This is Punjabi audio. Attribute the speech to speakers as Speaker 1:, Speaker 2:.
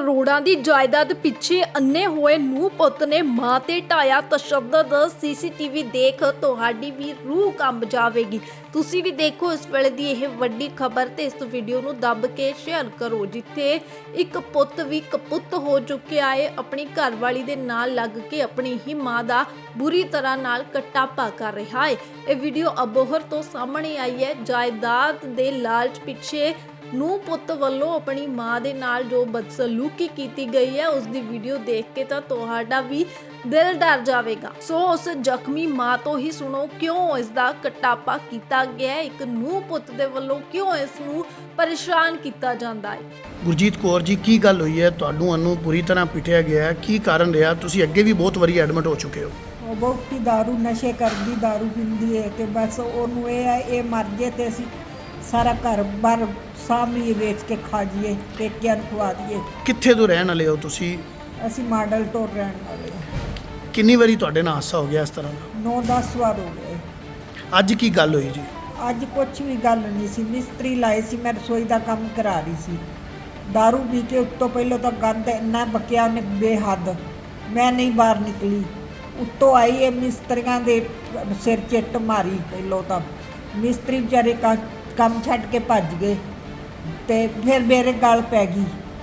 Speaker 1: ਕਰੋੜਾਂ ਦੀ ਜਾਇਦਾਦ ਪਿੱਛੇ ਅੰਨੇ ਹੋਏ ਨੂੰਹ ਪੁੱਤ ਨੇ ਮਾਂ ਤੇ ਢਾਇਆ ਤਸ਼ੱਦਦ। ਸੀਸੀਟੀਵੀ ਦੇਖ ਤੁਹਾਡੀ ਵੀ ਰੂਹ ਕੰਬ ਜਾਵੇਗੀ। ਤੁਸੀਂ ਵੀ ਦੇਖੋ ਇਸ ਵੇਲੇ ਦੀ ਇਹ ਵੱਡੀ ਖਬਰ ਤੇ ਇਸ ਵੀਡੀਓ ਨੂੰ ਦੱਬ ਕੇ ਸ਼ੇਅਰ ਕਰੋ, ਜਿੱਥੇ ਇੱਕ ਪੁੱਤ ਵੀ ਕਪੁੱਤ ਹੋ ਚੁੱਕਿਆ ਹੈ। ਆਪਣੀ ਘਰਵਾਲੀ ਦੇ ਨਾਲ ਲੱਗ ਕੇ ਆਪਣੀ ਹੀ ਮਾਂ ਦਾ ਬੁਰੀ ਤਰ੍ਹਾਂ ਨਾਲ ਕਟਾਪਾ ਕਰ ਰਿਹਾ ਹੈ। ਇਹ ਵੀਡੀਓ ਅਬੋਹਰ ਤੋਂ ਸਾਹਮਣੇ ਆਈ ਹੈ। ਜਾਇਦਾਦ ਦੇ ਲਾਲਚ ਪਿੱਛੇ ਨੂੰਹ ਪੁੱਤ ਵੱਲੋਂ ਆਪਣੀ ਮਾਂ ਦੇ ਨਾਲ ਜੋ ਬਦਸਲੂਕੀ ਕੀਤੀ ਗਈ ਹੈ, ਉਸ ਦੀ ਵੀਡੀਓ ਦੇਖ ਕੇ ਤਾਂ ਤੁਹਾਡਾ ਵੀ ਦਿਲ ਡਰ ਜਾਵੇਗਾ। ਸੋ ਉਸ ਜ਼ਖਮੀ ਮਾਂ ਤੋਂ ਹੀ ਸੁਣੋ ਕਿਉਂ ਇਸ ਦਾ ਕਟਾਪਾ ਕੀਤਾ ਗਿਆ ਹੈ। ਇੱਕ ਨੂੰਹ ਪੁੱਤ ਦੇ ਵੱਲੋਂ ਕਿਉਂ ਇਸ ਨੂੰ ਪਰੇਸ਼ਾਨ ਕੀਤਾ ਜਾਂਦਾ ਹੈ।
Speaker 2: ਗੁਰਜੀਤ ਕੌਰ ਜੀ, ਕੀ ਗੱਲ ਹੋਈ ਹੈ? ਤੁਹਾਨੂੰ ਪੂਰੀ ਤਰ੍ਹਾਂ ਪਿੱਟਿਆ ਗਿਆ ਹੈ, ਕੀ ਕਾਰਨ ਰਿਹਾ? ਤੁਸੀਂ ਅੱਗੇ ਵੀ ਬਹੁਤ ਵਾਰੀ ਐਡਮਿਟ ਹੋ ਚੁੱਕੇ ਹੋ।
Speaker 3: ਉਹ ਬਹੁਤੀ ਦਾਰੂ ਨਸ਼ੇ ਕਰਦੀ, ਦਾਰੂ ਪੀਂਦੀ ਹੈ ਕਿ ਬਸ ਉਹਨੂੰ ਇਹ ਹੈ ਇਹ ਮਰ ਜੇ ਤੇ ਅਸੀਂ ਸਾਰਾ ਘਰ ਬਾਰ ਸਾਹਮਣੇ ਵੇਚ ਕੇ ਖਾ ਜਾਈਏ, ਪੇਕਿਆਂ ਨੂੰ ਖਵਾ ਦਈਏ।
Speaker 2: ਕਿੱਥੇ ਤੋਂ ਰਹਿਣ ਵਾਲੇ ਹੋ ਤੁਸੀਂ?
Speaker 3: ਅਸੀਂ ਮਾਡਲ ਟੋਰ ਰਹਿਣ ਵਾਲੇ ਹਾਂ।
Speaker 2: ਕਿੰਨੀ ਵਾਰੀ ਤੁਹਾਡੇ ਨਾਲ ਹਾਦਸਾ ਹੋ ਗਿਆ ਇਸ ਤਰ੍ਹਾਂ ਦਾ?
Speaker 3: 9-10 ਵਾਰ ਹੋ ਗਏ।
Speaker 2: ਅੱਜ ਕੀ ਗੱਲ ਹੋਈ ਜੀ?
Speaker 3: ਅੱਜ ਕੁਛ ਵੀ ਗੱਲ ਨਹੀਂ ਸੀ। ਮਿਸਤਰੀ ਲਾਏ ਸੀ, ਮੈਂ ਰਸੋਈ ਦਾ ਕੰਮ ਕਰਾ ਰਹੀ ਸੀ। ਦਾਰੂ ਪੀ ਕੇ ਉੱਤੋਂ ਪਹਿਲਾਂ ਤਾਂ ਗੰਦ ਇੰਨਾ ਬਕਿਆ ਉਹਨੇ ਬੇਹੱਦ, ਮੈਂ ਨਹੀਂ ਬਾਹਰ ਨਿਕਲੀ। ਉੱਤੋਂ ਆਈ ਇਹ ਮਿਸਤਰੀਆਂ ਦੇ ਸਿਰ ਚਿੱਟ ਮਾਰੀ। ਪਹਿਲੋਂ ਤਾਂ ਮਿਸਤਰੀ ਵਿਚਾਰੇ ਕੰਮ ਛੱਡ ਕੇ ਭੱਜ ਗਏ ਤੇ ਫਿਰ ਮੇਰੇ ਗਲ ਪੈ ਗਈ।